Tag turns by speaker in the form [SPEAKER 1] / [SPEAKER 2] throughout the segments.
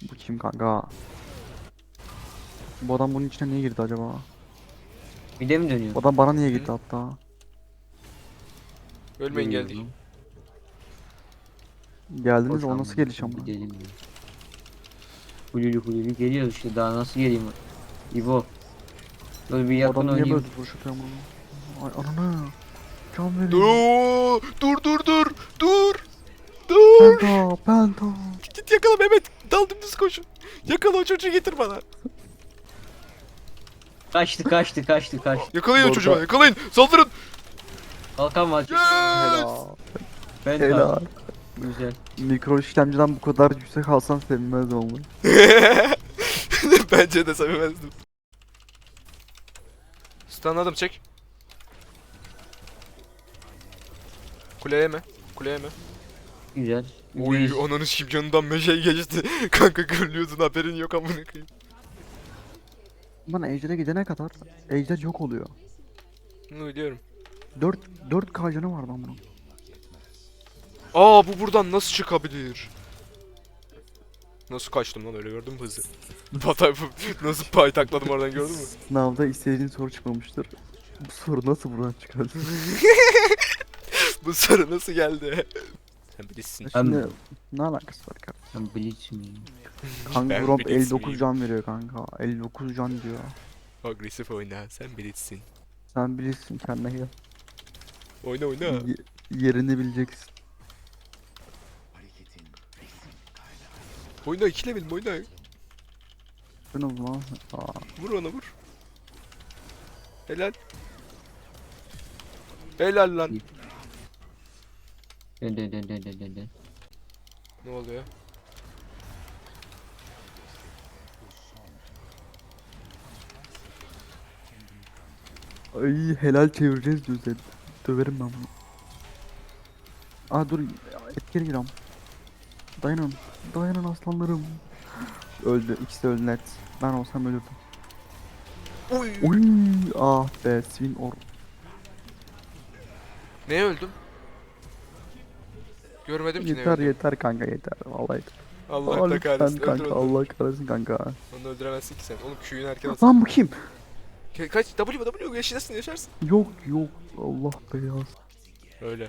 [SPEAKER 1] Bu kim kanka? Bu adam bunun içine niye girdi acaba?
[SPEAKER 2] Bir de mi dönüyor?
[SPEAKER 1] Bu adam bana niye
[SPEAKER 3] Hı.
[SPEAKER 1] gitti hatta?
[SPEAKER 3] Ölmeyin geldik.
[SPEAKER 2] Dönüyorum.
[SPEAKER 1] Geldiniz, o
[SPEAKER 2] Boşanma,
[SPEAKER 1] nasıl geliş ama?
[SPEAKER 2] gidelim ya. Hululi geliyor işte, daha nasıl geleyim? İbo. Böyle bir
[SPEAKER 1] Bu
[SPEAKER 2] yakın
[SPEAKER 1] adam niye
[SPEAKER 2] oynayayım.
[SPEAKER 1] böyle vuruş atıyor bana? Ay ananı. Can veriyor.
[SPEAKER 3] Dur. Dur.
[SPEAKER 1] Penta.
[SPEAKER 3] Git yakala Mehmet. Dal dümdüz koşun. Yakala o çocuğu getir bana.
[SPEAKER 2] Kaçtı.
[SPEAKER 3] Yakalayın o
[SPEAKER 1] Orada-
[SPEAKER 3] çocuğu. Yakalayın. Saldırın.
[SPEAKER 2] Kalkan var.
[SPEAKER 3] Yes.
[SPEAKER 1] Helal.
[SPEAKER 2] Ben
[SPEAKER 1] Helal.
[SPEAKER 2] Güzel.
[SPEAKER 1] Mikro işlemciden bu kadar yüksek alsan sevinmez olmuş.
[SPEAKER 3] Bence de sevmezdim. Stunladım çek. Kuleye mi? Kuleye mi?
[SPEAKER 2] Güzel.
[SPEAKER 3] Oy ananı sikeyim canından meşe geçti. Kanka gürlüyordun haberin yok amına koyayım.
[SPEAKER 1] Bana Ejder'e gidene kadar Ejder yok oluyor.
[SPEAKER 3] Bunu biliyorum.
[SPEAKER 1] 4K canı var lan bunun.
[SPEAKER 3] Aa bu buradan nasıl çıkabilir? Nasıl kaçtım lan öyle gördün mü hızı? Batay nasıl paytakladım oradan gördün mü?
[SPEAKER 1] Sınavda istediğin soru çıkmamıştır. Bu soru nasıl buradan çıkar?
[SPEAKER 3] Bu soru nasıl geldi? Sen bilirsin.
[SPEAKER 1] Şimdi ne alakası var kanka?
[SPEAKER 2] Ben Blitz'im.
[SPEAKER 1] Kanka
[SPEAKER 3] Ben
[SPEAKER 1] Gromp
[SPEAKER 3] Blitz
[SPEAKER 1] 59
[SPEAKER 3] miyim?
[SPEAKER 1] can veriyor kanka. 59 can diyor.
[SPEAKER 3] Agresif oyna sen bilirsin.
[SPEAKER 1] Sen bilirsin kendine gel.
[SPEAKER 3] Oyna oyna.
[SPEAKER 1] Yerini bileceksin.
[SPEAKER 3] Oyna ikile benim oyna.
[SPEAKER 1] Ben o zaman. Aa,
[SPEAKER 3] Vur ona vur. Helal. Helal lan.
[SPEAKER 2] Dön.
[SPEAKER 3] Ne oluyor?
[SPEAKER 1] ay helal çevireceğiz diyor Zed. Döverim ben bunu. Aa dur etkili giram. Dayanın. Dayanın aslanlarım. Öldü. İkisi de öldü net. Ben olsam ölürdüm.
[SPEAKER 3] Oy.
[SPEAKER 1] Uy ah be swing or.
[SPEAKER 3] Neye öldüm? Görmedim ki neye
[SPEAKER 1] Yeter
[SPEAKER 3] öldüm.
[SPEAKER 1] yeter kanka yeter. Vallahi yeter.
[SPEAKER 3] Allah
[SPEAKER 1] Aa,
[SPEAKER 3] da
[SPEAKER 1] lütfen
[SPEAKER 3] kahretsin. Öldür
[SPEAKER 1] kanka
[SPEAKER 3] onu.
[SPEAKER 1] Allah kahretsin kanka.
[SPEAKER 3] Onu öldüremezsin ki sen. Oğlum Q'yun erken atın.
[SPEAKER 1] Lan bu kim?
[SPEAKER 3] Kaç W yaşarsın yaşarsın.
[SPEAKER 1] Yok Allah beyaz.
[SPEAKER 3] Öyle.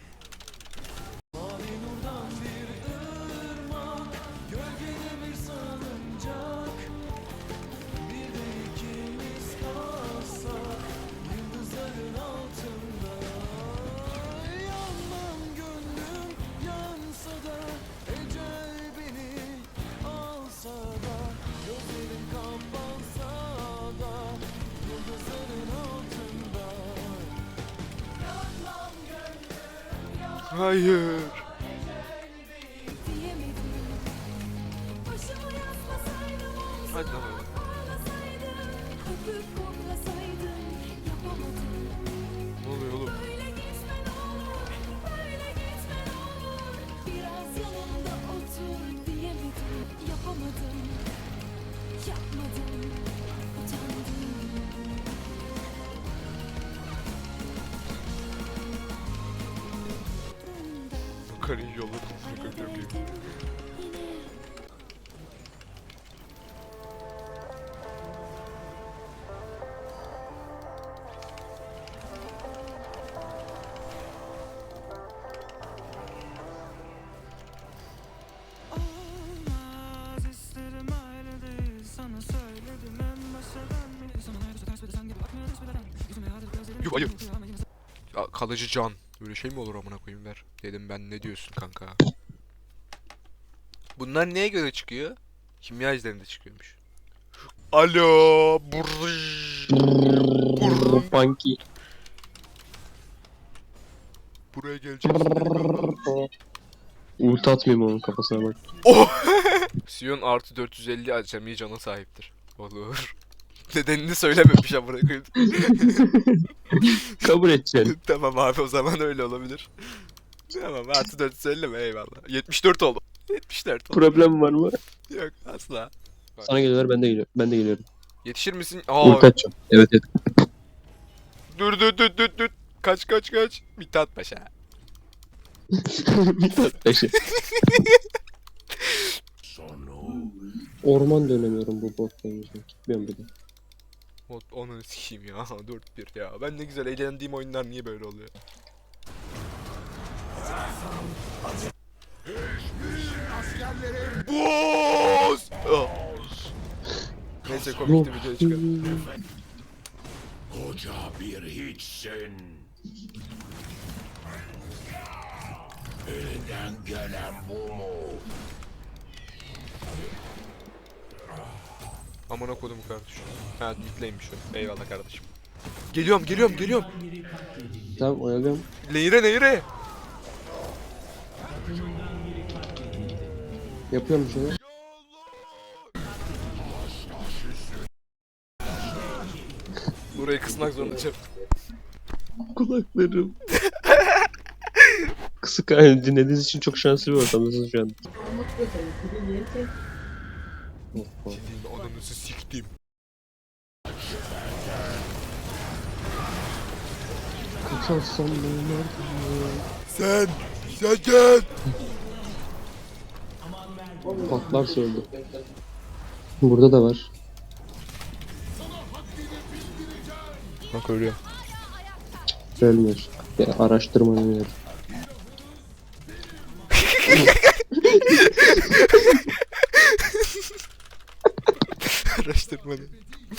[SPEAKER 3] Hayır. Hadi lan oğlum. Ne oluyor oğlum? Karıyı yolladım. Çok iyi. Yuh hayır. Ya, kalıcı can. Böyle şey mi olur amına koyayım ver. Dedim ben ne diyorsun kanka. Bunlar neye göre çıkıyor? Kimya izlerinde çıkıyormuş. Alo.
[SPEAKER 2] Funky.
[SPEAKER 3] Buraya geleceğiz.
[SPEAKER 4] Ult atmayayım onun kafasına bak.
[SPEAKER 3] Oh! Sion artı 450 acemi cana sahiptir. Olur. Nedenini söylememiş amına koyayım.
[SPEAKER 4] Kabul edeceksin.
[SPEAKER 3] Tamam abi o zaman öyle olabilir. Tamam artı 450 mi eyvallah. 74 oldu. 74 oldu.
[SPEAKER 4] Problem var mı?
[SPEAKER 3] Yok asla.
[SPEAKER 4] Sana geliyorlar, ben de geliyorum. Ben de geliyorum.
[SPEAKER 3] Yetişir misin?
[SPEAKER 4] Ult atacağım. Evet.
[SPEAKER 3] Dur. Kaç. Mithat Paşa.
[SPEAKER 4] Bir tat beşi. Orman dönemiyorum bu bot yüzünden. Gitmiyorum bir de.
[SPEAKER 3] Onu sikeyim ya. 4-1 ya. Ben ne güzel eğlendiğim oyunlar niye böyle oluyor? Boss! Ah. Neyse komikti videoya çıkalım.
[SPEAKER 5] Koca bir hiçsin. Elinden gelen bu mu?
[SPEAKER 3] Amına kodum kardeşim. Ha yükleymiş o. Eyvallah kardeşim. Geliyorum.
[SPEAKER 4] Tamam oyalıyorum.
[SPEAKER 3] Nehire.
[SPEAKER 4] Yapıyorum bir şeyler.
[SPEAKER 3] Burayı kısmak zorundayım.
[SPEAKER 4] Kulaklarım. Kısık dinlediğiniz için çok şanslı bir ortamdasınız şu an.
[SPEAKER 3] Senin ananızı siktim.
[SPEAKER 4] Kaçarsam neler
[SPEAKER 3] Sen gel.
[SPEAKER 4] patlar söyledi. Burada da var.
[SPEAKER 3] Bak ölüyor.
[SPEAKER 4] Ölmüyor. Ya, araştırma öneririm.
[SPEAKER 3] Araştırma ne?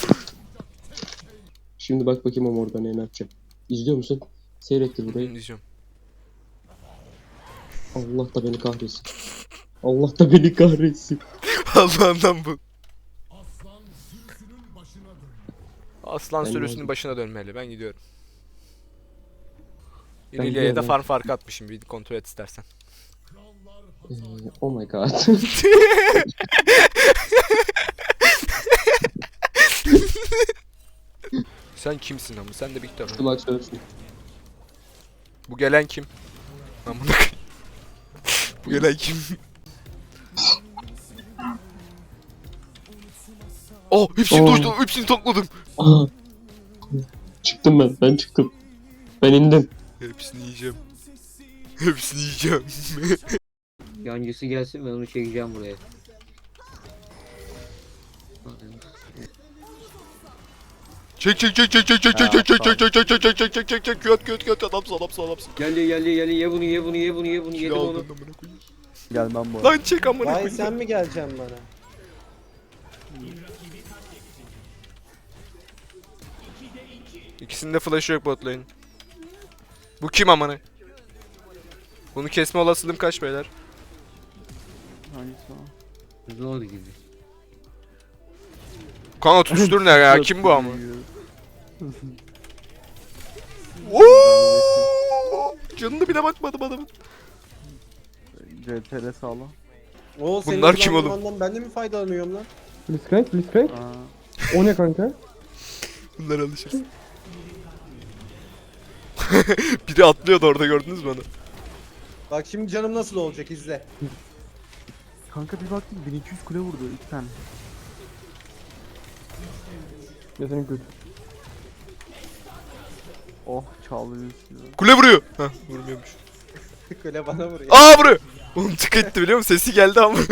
[SPEAKER 4] Şimdi bak bakayım o Morgana'ya ne yapacak. İzliyor musun? Seyrettir burayı.
[SPEAKER 3] İzliyorum.
[SPEAKER 4] Allah da beni kahretsin. Allah da beni kahretsin.
[SPEAKER 3] Allah'ından bu. Aslan
[SPEAKER 4] Ben
[SPEAKER 3] sürüsünün
[SPEAKER 4] geldim.
[SPEAKER 3] başına dönmeli. Ben gidiyorum.
[SPEAKER 4] Ben
[SPEAKER 3] İleriye de
[SPEAKER 4] gidiyorum.
[SPEAKER 3] farm farkı atmışım. Bir kontrol et istersen.
[SPEAKER 4] Oh my god.
[SPEAKER 3] Sen kimsin ama? Sen de bir tane.
[SPEAKER 4] Kulak söylesin.
[SPEAKER 3] Bu gelen kim? Amına koyayım. Bu gelen kim? Oh, hepsini
[SPEAKER 4] Oh.
[SPEAKER 3] doşladım, hepsini topladım.
[SPEAKER 4] Aha. Çıktım ben. Ben çıktım. Ben indim.
[SPEAKER 3] Hepsini yiyeceğim. Hepsini yiyeceğim.
[SPEAKER 2] Yancısı gelsin ben onu çekeceğim buraya.
[SPEAKER 3] Çek. Köt adamsın.
[SPEAKER 2] Geldi ye bunu yedim
[SPEAKER 3] Kilo
[SPEAKER 2] onu.
[SPEAKER 3] aldın amına koyayım.
[SPEAKER 1] Gelmem bu arada.
[SPEAKER 3] Lan çek amına
[SPEAKER 6] Vay
[SPEAKER 3] koyayım.
[SPEAKER 6] sen mi geleceksin bana?
[SPEAKER 3] İkisinde flash yok bot lane. Bu kim amına? Bunu kesme olasılığım kaç beyler?
[SPEAKER 1] Hangisi o?
[SPEAKER 2] Zor gibi.
[SPEAKER 3] Kanka tutuştur ne ya? Kim bu ama? Oo! Canına bile bakmadım adamın.
[SPEAKER 1] CTR sağla.
[SPEAKER 6] O senin
[SPEAKER 3] Bunlar kim oğlum?
[SPEAKER 6] kullanmandan ben de mi faydalanıyorum lan?
[SPEAKER 7] Blitzcrank.
[SPEAKER 1] Aa,
[SPEAKER 7] O ne kanka?
[SPEAKER 3] Bunlar alışır. Biri atlıyordu orada gördünüz mü onu?
[SPEAKER 6] Bak şimdi canım nasıl olacak izle.
[SPEAKER 1] kanka bir baktım 1200 kule vurdu 2 tane.
[SPEAKER 7] Ya senin kötü.
[SPEAKER 1] Oh çaldı.
[SPEAKER 3] Kule vuruyor. Heh vurmuyormuş.
[SPEAKER 6] Öyle bana vuruyor.
[SPEAKER 3] Aa vuruyor. Oğlum tık etti biliyor musun? Sesi geldi ama.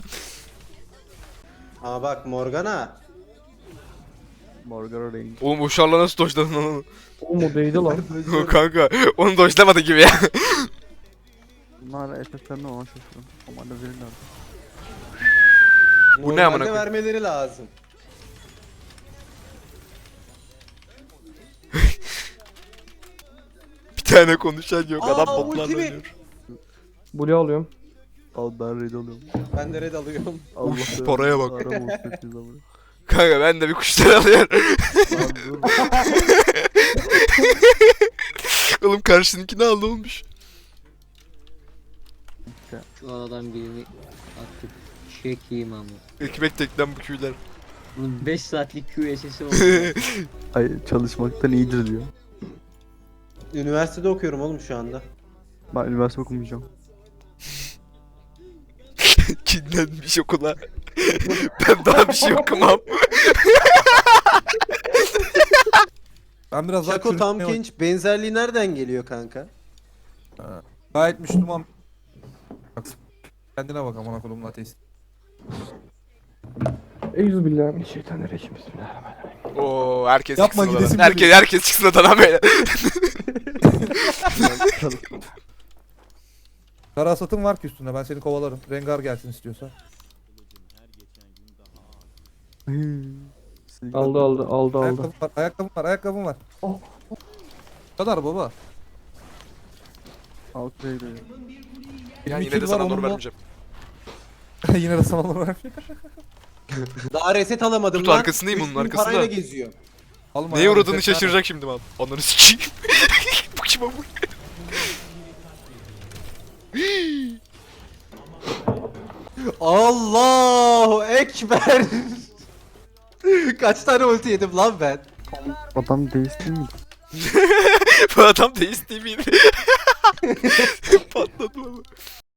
[SPEAKER 6] Ama bak Morgana.
[SPEAKER 1] Morgana range.
[SPEAKER 3] Oğlum o şarla nasıl doşladın onu?
[SPEAKER 7] Oğlum o değdi lan.
[SPEAKER 3] Kanka onu doşlamadı gibi ya.
[SPEAKER 1] Bunlar efektlerine ona şaşırdım. Ama da verirler.
[SPEAKER 3] Bu ne amına
[SPEAKER 6] Normalde
[SPEAKER 3] koyayım?
[SPEAKER 6] vermeleri lazım.
[SPEAKER 3] Bir tane konuşan yok.
[SPEAKER 6] Aa,
[SPEAKER 3] Adam botlarla
[SPEAKER 6] ultimi.
[SPEAKER 3] oynuyor.
[SPEAKER 7] Blue alıyorum.
[SPEAKER 1] Al ben raid alıyorum.
[SPEAKER 6] Ben de red alıyorum.
[SPEAKER 1] Allah
[SPEAKER 3] paraya bak.
[SPEAKER 1] Arama olsun siz ama.
[SPEAKER 3] Kanka ben de bir kuşlar alıyorum.
[SPEAKER 1] Lan dur.
[SPEAKER 3] Oğlum karşınınkini aldı olmuş.
[SPEAKER 2] Şu adam birini artık çekeyim ama.
[SPEAKER 3] Ekmek tekten bu küyler.
[SPEAKER 2] Bunun 5 saatlik QSS'i oldu.
[SPEAKER 1] Ay çalışmaktan iyidir diyor.
[SPEAKER 6] Üniversitede okuyorum oğlum şu anda.
[SPEAKER 1] Ben üniversite okumayacağım.
[SPEAKER 3] Kinlenmiş okula. Ben daha bir şey okumam.
[SPEAKER 8] Ben biraz daha
[SPEAKER 6] Şako Tam
[SPEAKER 8] çürütmeye
[SPEAKER 6] Kenç benzerliği nereden geliyor kanka?
[SPEAKER 8] gayet Müslüman. Bak, kendine bak amına kodumun ateist.
[SPEAKER 7] Euzubillahimineşşeytanirracim. Bismillahirrahmanirrahim.
[SPEAKER 3] Oo herkes
[SPEAKER 8] Yapma,
[SPEAKER 3] çıksın odadan.
[SPEAKER 8] gidesim
[SPEAKER 3] Herkes çıksın odadan böyle.
[SPEAKER 8] Kara satın var ki üstünde. Ben seni kovalarım. Rengar gelsin istiyorsa.
[SPEAKER 7] Aldı.
[SPEAKER 8] Ayakkabım var. Bu kadar baba.
[SPEAKER 1] Outrage'e.
[SPEAKER 3] Yani
[SPEAKER 8] 22
[SPEAKER 3] yine de
[SPEAKER 8] var,
[SPEAKER 3] sana
[SPEAKER 8] onun
[SPEAKER 3] onur
[SPEAKER 8] da-
[SPEAKER 3] vermeyeceğim.
[SPEAKER 8] Yine de sana olur var.
[SPEAKER 6] Daha reset alamadım
[SPEAKER 3] Tut
[SPEAKER 6] lan.
[SPEAKER 3] arkasındayım, onun
[SPEAKER 6] 3000
[SPEAKER 3] arkasında.
[SPEAKER 6] parayla geziyor.
[SPEAKER 8] Alma
[SPEAKER 3] Neye
[SPEAKER 8] ya,
[SPEAKER 3] uğradığını
[SPEAKER 8] resetler.
[SPEAKER 3] şaşıracak şimdi mal. Onları sikeyim. Bu kim amına?
[SPEAKER 6] Allahu Ekber. Kaç tane ulti yedim lan ben?
[SPEAKER 1] Adam değişti mi?
[SPEAKER 3] Bu adam deist değil miydi? Patladı ama.